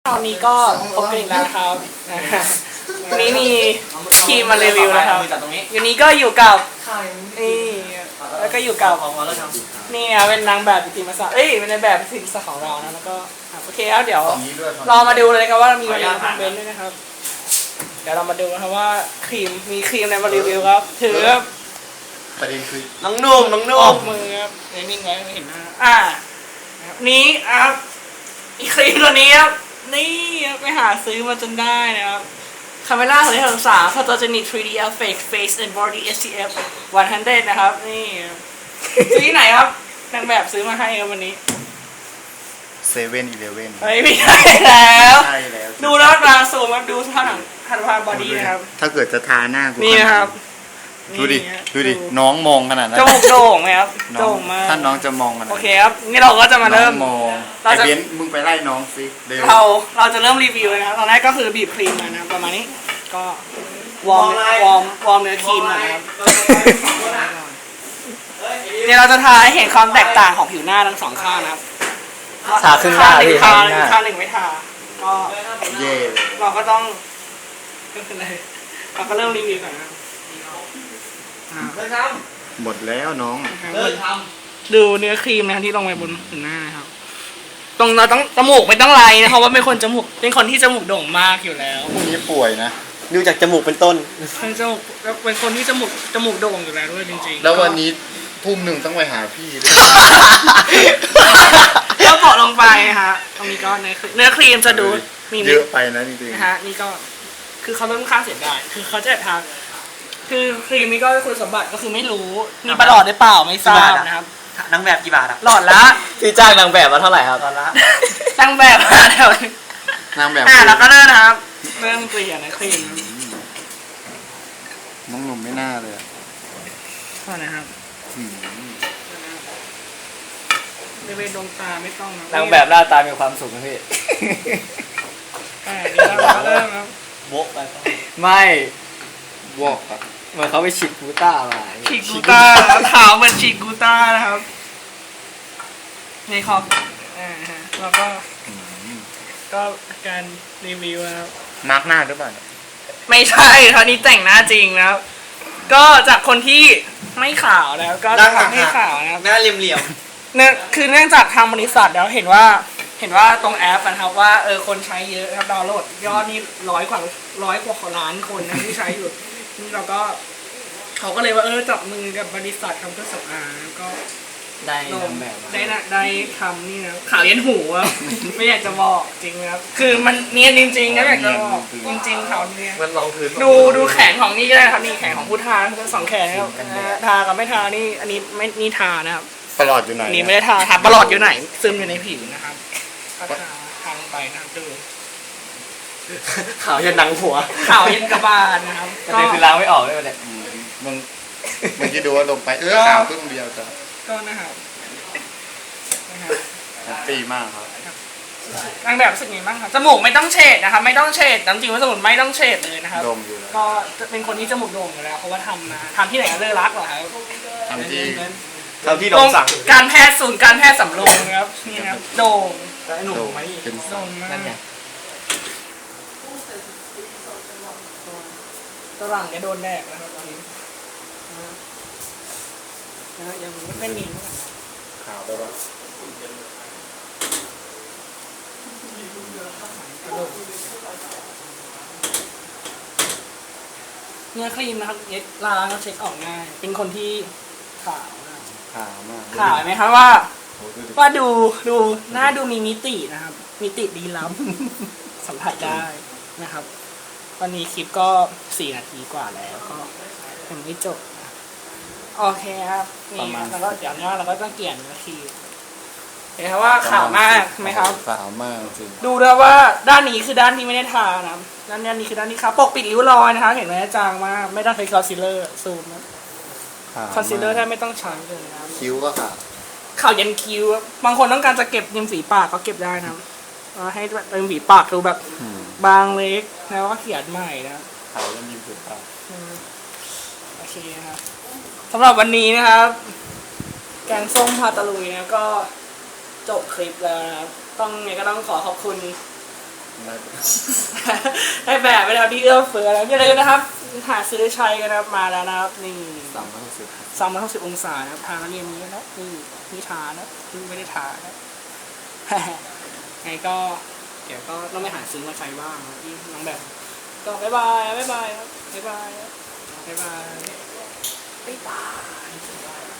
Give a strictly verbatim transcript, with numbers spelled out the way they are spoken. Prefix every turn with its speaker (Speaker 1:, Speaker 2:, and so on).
Speaker 1: ตอนนี้ก็พบกันอีกแล้วนะครับวันนี้มีทีมมารีวิวนะครับวันนี้ก็อยู่กับนี่แล้วก็อยู่กับนี่นะเป็นนางแบบจิตรมาสเอ้ยเป็นนางแบบจิตรมาสของเรานะแล้วก็โอเคแล้วเดี๋ยวเรามาดูเลยครับว่ามีอะไรมาเบนด้วยนะครับเดี๋ยวเรามาดูนะครับว่าครีมมีครีมอะไรมารีวิวครับถือ
Speaker 2: ประเด็นคือ
Speaker 1: น้องนุ่มน้องนุ่มมือครับนิ่งๆไว้ไม่เห็นหน้าอ่านี้ครับอีครีมตัวนี้ครับนี่ไปหาซื้อมาจนได้นะครับคาเมล่าของที่ศึกษา Photogenic ทรี ดี Effect Face and Body เอส พี เอฟ หนึ่งร้อยนะครับนี่ซื้อที่ไหนครับนางแบบซื้อมาให้ครับวันนี้
Speaker 2: เซเว่นอีเลฟเว่น
Speaker 1: ไม่ใช่แล้วดูแล้วมาสูมครับดูท่าหนังท่าทางบอดี้นะครับ
Speaker 2: ถ้าเกิดจะทาหน้ากู
Speaker 1: นี่นะครับ
Speaker 2: ดูดิดูดิน้องมองขนาดนั้น
Speaker 1: จมูกโด่งไหมครับโด่งมาก
Speaker 2: ถ้าน้องจะมองขนาด
Speaker 1: โอเคครับนี่เราก็จะมาเริ่ม
Speaker 2: มองไอเบนมึงไปไล่น้องสิ
Speaker 1: เราเราจะเริ่มรีวิวนะครับตอนแรกก็คือบีบครีมมานะประมาณนี้ก็วอร์มวอร์มวอร์มเนื้อครีมนะครับเดี๋ยวเราจะทาให้เห็นความแตกต่างของผิวหน้าทั้งสองข้างนะครับ
Speaker 3: ทาครึ่งหน้าพี่
Speaker 1: ข้างหนึ่งข้างหนึ่งไม่ทาก็
Speaker 2: เย่
Speaker 1: เราก็ต้องก็คืออะไรเราก็เริ่มรีวิวก่อนนะ
Speaker 2: หมดแล้วน้อง
Speaker 1: ดูเนื้อครีมนะที่ลงไปบนผิวหน้านะครับตรงเราต้องจมูกไม่ต้องไรนะเพราะว่าเป็นคนจมูกเป็นคนที่จมูกโด่งมากอยู่แล้ว
Speaker 2: พวกนี้ป่วยนะ
Speaker 3: ดูจากจมูกเป็นต้น
Speaker 1: เป็นจมูกเป็นคนที่จมูกจมูกโด่งอยู่แล้วด้วยจริงๆ
Speaker 2: แล้ววันนี้ทุ่มหนึ่งต้องไปหาพี่ด้วย
Speaker 1: ก็เปาะลงไปฮะตรงนี้ก็เนื้อเนื้อครีมจะดู
Speaker 2: มีเยอะไปนะจริง
Speaker 1: ๆนะฮะนี่ก็คือเขาเริ่มค่าเสียได้คือเขาจะทาคือครีมนี้ก็คุณสมบัติก็คือไม่รู้มีประหลอดได้เปล่าไม่ทราบนะครับ
Speaker 3: นางแบบกี่บาทอะ
Speaker 1: หลอดละ
Speaker 3: ที่จ้างนางแบบมาเท่าไหร่ครับตอนละ
Speaker 1: นางแบบมาเท่าไหร่
Speaker 2: นางแบบ
Speaker 1: อ่าแล้วก็เริ่มนะครับเริ่มเกลี่ยนะครีม
Speaker 2: น้องหนุ่มไม่น่าเลย
Speaker 1: ก็นะครับบริเวณดวงตาไม่ต้อง
Speaker 3: นางแบบหน้าตามีความสุขนะพี่
Speaker 1: อ่านี่เราเริ่มครับ
Speaker 3: โบกไปไม่
Speaker 2: วอกครับ
Speaker 3: เหมือนเขาไปฉีดกูต้ามา
Speaker 1: ฉีดกูต้าขาวเหมือนฉีดกูต้านะครับในคออ่าฮะแล้วก็ก็การรีวิวนะครับ
Speaker 2: มาร์กหน้าหรือเปล่า
Speaker 1: ไม่ใช่คราวนี้แต่งหน้าจริงนะครับก็จากคนที่ไม่ขาวแล้วก็จะทำให้ขาวนะครับ
Speaker 3: หน้าเหลี่ยม
Speaker 1: ๆเนี่ยคือเนื่องจากทางบริษัทแล้วเห็นว่าเห็นว่าตรงแอปนะครับว่าเออคนใช้เยอะครับดาวน์โหลดยอดนี่ร้อยกว่าร้อยกว่าล้านคนนะที่ใช้อยู่นี่เราก็เขาก็เลยว่าเออจับมือกับบริษัททำเครื่องสำอางก็
Speaker 3: ได้แบบ
Speaker 1: ได้นะได้ทำนี่นะข่าวเย็นหูอ่ะไม่อยากจะบอกจริงครับคือมันเนียนจริงๆนะอยากจะบอกจริงๆข่าวเนี้ย
Speaker 3: มันลองพื้น
Speaker 1: ดูดูแขนของนี่ก็ได้ครับนี่แขนของผู้ทาทั้งสองแขนนะครับทากับไม่ทานี่อันนี้ไม่นี่ทานะครับ
Speaker 2: ประหลอดอยู่ไหน
Speaker 1: นี่ไม่ได้ทาทาประหลอดอยู่ไหนซึมอยู่ในผิวนะครับทาทาลงไปนะครับดู
Speaker 3: ข่าวเย็นหนังหัว
Speaker 1: ข่าวเย็นกระบาลนะครับ
Speaker 3: ก็คือล้างไม่ออกเลยเนี่ย
Speaker 2: มึงมึงคิดดูว่าลงไปเออข่าวครึ่งเดียวจ้ะ
Speaker 1: ก็นะครับ
Speaker 2: ปีมากครับ
Speaker 1: นางแบบรู้สึกไงบ้างครับจมูกไม่ต้องเฉดนะครับไม่ต้องเฉดจริงๆว่าจมูกไม่ต้องเฉดเลยนะครับก็เป็นคนที่จมูกโด่งอยู่แล้วเพราะว่าทำมาทำที่ไหนก็เลิศรักเหรอครับ
Speaker 2: ทำที่
Speaker 3: ทำที่โด่งสั่ง
Speaker 1: การแพทย์ศูนย์การแพทย์สำโรงครับนี่นะครับโด่ง
Speaker 3: หนุ่มไหม
Speaker 1: โด่งมากนั่นไงตรังจะโดนแดกนะครับตอนนี้นะยังไม่มี
Speaker 2: ข่าวได้ปะ
Speaker 1: เนื้อครีมนะครับเย็ดล้างแล้วเช็คออกง่ายเป็นคนที่ขาว
Speaker 2: ขาวมาก
Speaker 1: ขาวไหมครับว่าว่าดูดูหน้าดูมีมิตินะครับมิติดีล้ำสัมผัสได้นะครับวันนี้คลิปก็สี่นาทีกว่าแล้วก็ยังไม่จบโอเคครับนี่แล้วก็อย่างนี้เราก็ต้องเกี่ยนนาทีเห็นไหมว่าขาวมากไหมครับ
Speaker 2: ขาวมากจริง
Speaker 1: ดูแล้วว่าด้านนี้คือด้านที่ไม่ได้ทานะด้านนี้คือด้านที่ครับปกปิดริ้วรอยนะคะเห็นไหมจางมากไม่ต้องใช้คอนซีลเลอร์ซูมนะคอนซีลเลอร์ถ้าไม่ต้องใช้เลยนะ
Speaker 2: คิ้วก็ขาว
Speaker 1: ขาวยันคิ้วบางคนต้องการจะเก็บริมฝีปากก็เก็บได้นะให้ริมฝีปากดูแบบบางเล็กแล้วก็เขียนใหม่นะ
Speaker 2: ขาวยันริมฝีปาก
Speaker 1: โอเคครับสำหรับวันนี้นะครับแกงส้มพาตะลุยนะก็จบคลิปแล้วนะครับต้องไงก็ต้องขอขอบคุณได้แบบไปแล้วที่เอื้อเฟื้อแล้วอย่าลืมนะครับหาซื้อใช้กันนะครับมาแล้วนะครับนี่
Speaker 3: สามร้อยหกสิบ
Speaker 1: สามร้อยหกสิบองศานะครับทาแล้วเรียนนี้นะนี่นี่ทานะนี่ไม่ได้ทานะ ไงก็เดี๋ยวก็ต้องไปหาซื้อมาใช้บ้างนะที่น้องแบบก็บ๊ายบายบ๊ายบายครับบ๊ายบายบ๊ายบายบ๊ายบาย